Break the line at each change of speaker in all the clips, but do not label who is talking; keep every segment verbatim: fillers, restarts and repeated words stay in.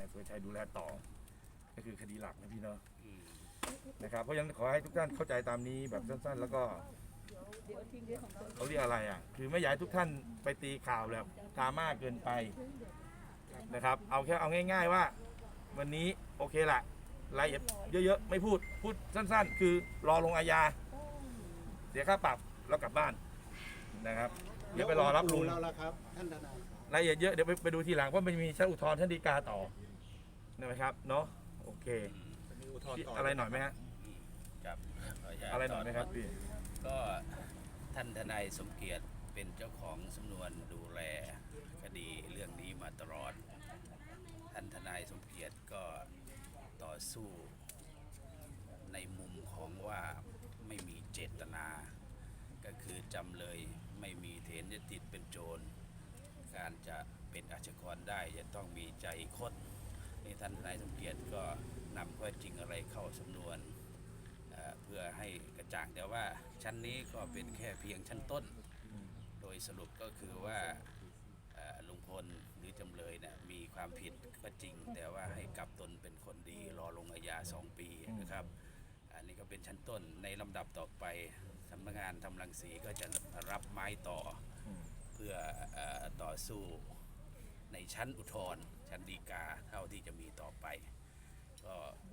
สุรชัยดูแลต่อก็คือคดีหลักนะพี่เนาะนะครับเพราะฉะนั้นขอให้ทุกท่านเข้าใจตามนี้แบบสั้นๆแล้วก็เขาเรียกอะไรอ่ะคือไม่อยากให้ทุกท่านไปตีข่าวแบบดราม่าเกินไปนะครับเอาแค่เอาง่ายๆว่าวันนี้โอเคละรายละเอียดเยอะๆไม่พูดพูดสั้นๆคือรอลงอาญาเสียค่าปรับแล้วกลับบ้านนะครับเดี๋ยวไปรอรับลุง
แล้วครับท่านทนาย
รายละเอียดเยอะเดี๋ยวไปไปดูทีหลังเพราะมันมีชั้นอุทธรณ์ชั้นฎีกาต่อนะครับเนาะโอเคอะไรหน่อยไหมฮะอะไรหน่อยไหมครับพี่
ก็ท่านทนายสมเกียรติเป็นเจ้าของสำนวนดูแลคดีเรื่องนี้มาตลอดท่านทนายสมเกียรติก็ต่อสู้ในมุมของว่าไม่มีเจตนาก็คือจำเลยไม่มีเถนจะติดเป็นโจรการจะเป็นอาชญากรได้จะต้องมีใจคดนี่ท่านทนายสมเกียรติก็นำข้อจริงอะไรเข้าสำนวนเพื่อให้กระจ่างแต่ว่าชั้นนี้ก็เป็นแค่เพียงชั้นต้นโดยสรุปก็คือว่าลุงพลหรือจำเลยเนี่ยมีความผิดก็จริงแต่ว่าให้กลับตนเป็นคนดีรอลงอาญาสองปีนะครับอันนี้ก็เป็นชั้นต้นในลำดับต่อไปสำนักงานทำรังสีก็จะรับไม้ต่อเพื่อต่อสู้ในชั้นอุทธรณ์ชั้นฎีกาเท่าที่จะมีต่อไปก็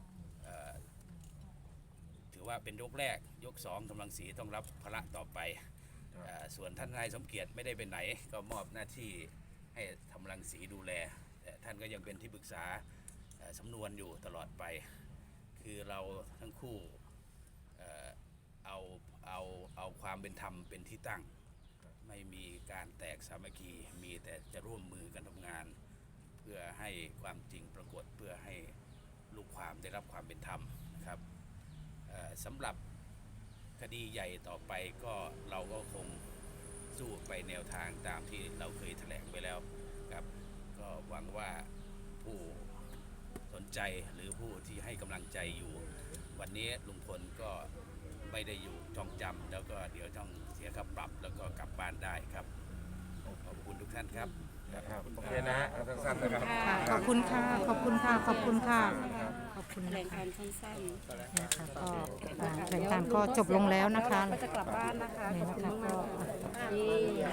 ถือว่าเป็นยกแรกยกสองกำลังสีต้องรับภาระต่อไปส่วนท่านนายสมเกียรติไม่ได้ไปไหนก็มอบหน้าที่ให้ทำรังสีดูแลแต่ท่านก็ยังเป็นที่ปรึกษาสำนวนอยู่ตลอดไปคือเราทั้งคู่เอาเอาเอาความเป็นธรรมเป็นที่ตั้งไม่มีการแตกสามัคคีมีแต่จะร่วมมือกันทำงานเพื่อให้ความจริงปรากฏเพื่อให้ลูกความได้รับความเป็นธรรมนะครับสำหรับคดีใหญ่ต่อไปก็เราก็คงสู้ไปแนวทางตามที่เราเคยแถลงไปแล้วครับก็หวังว่าผู้สนใจหรือผู้ที่ให้กำลังใจอยู่วันนี้ลุงพลก็ไม่ได้อยู่จองจำแล้วก็เดี๋ยวต้องเสียค่าปรับแล้วก็กลับบ้านได้ครับขอบคุณทุกท่านครับ
โอเคนะฮะสั้นๆนะครับ
ขอบคุณค่ะขอบคุณค่ะขอบคุณค่ะขอบคุณ
แถล
นะ
ง
คะ
การสั้นๆ
นะคะก็แถลงการก็จบลงแล้วนะคะ
ก็จะกลับบ้านนะคะขอบคุณมากๆนี่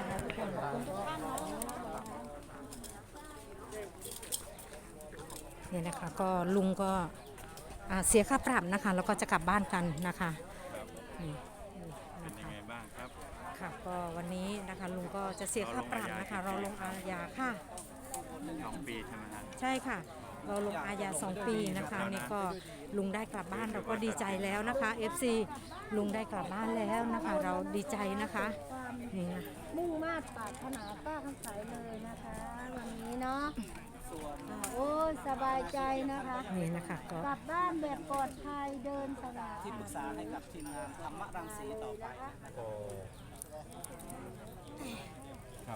นี่นะคะก็ลุงก็เสียค่าปรับนะคะแล้วก็จะกลับบ้านกันนะคะนี่เป็นยังไงบ้างครับค่ะก็วันนี้นะคะลุงก็จะเสียค่าปรับนะคะเราลงอาญาค่ะ
สองปีใช่ไหมครับ
ใช่ค่ะเราลงอาญาสองปีนะคะนี่ก็ลุงได้กลับบ้านเราก็ดีใจแล้วนะคะ เอฟ ซี ลุงได้กลับบ้านแล้วนะคะเราดีใจนะคะนี่นะ
มุ่งมาตรปรารถนาป้าคำใสเลยนะคะวันนี้เนาะโอ้สบายใจนะคะ
นี่นะคะก็
กลับบ้านแบบปลอดภัยเดินสบาย
ที่ปรึกษาให้กับทีมงานธรรมรังสีต่อไป
โอ้ครับ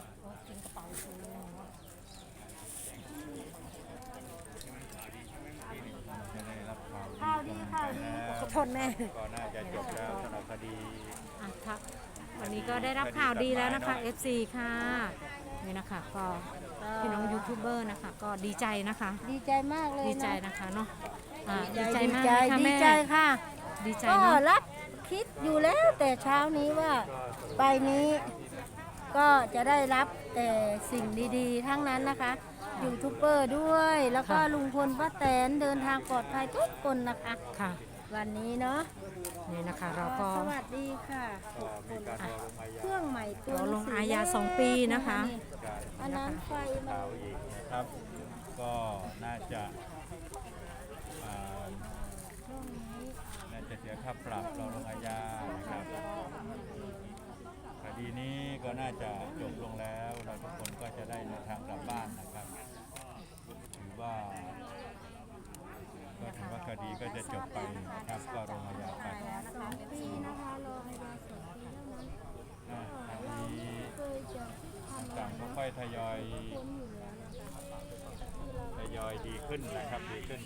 จะได้รับข่าว
ข่าวดีข่าวดี
ขอโทษแม่
ก็น่าจะจบแล้วสำหรับคดี
ครับวันนี้ก็ได้รับข่าวดีแล้วนะคะ เอฟ ซี ค่ะนี่นะคะก็พี่น้องยูทูบเบอร์นะคะก็ดีใจนะคะ
ดีใจมากเลย
ดีใจนะคะเนาะดีใจมาก
ค่ะแม่ดีใจค่ะ
ดีใจ
ก็รับคิดอยู่แล้วแต่เช้านี้ว่าไปนี้ก็จะได้รับแต่สิ่งดีๆทั้งนั้นนะคะยูทูบเบอร์ด้วยแล้วก็ลุงพลป้าแตนเดินทางปลอดภัยทุกคนนะคะ
ค่ะ
วันนี้เนาะ
นี่นะคะเราก็
สวัสดีค่ะเครื่องใหม่ตัว
เราลงอาญาสองปีนะคะ
อันนั้นไฟมา
อีกนะครับก็น่าจะน่าจะเสียค่าปรับเราลงอาญานะครับคดีนี้ก็น่าจะจบลงแล้วเราทุกคนก็จะได้เดินทางกลับบ้านนะครับถือว่าก็ถือว่าคดีก็จะจบไปนะครับก็ลงอาญาไป
สองปีนะคะรออาญาสองปีเท่านั้น
คดีต่างๆก็ค่อยทยอยทยอยดีขึ้นนะครับดีขึ้น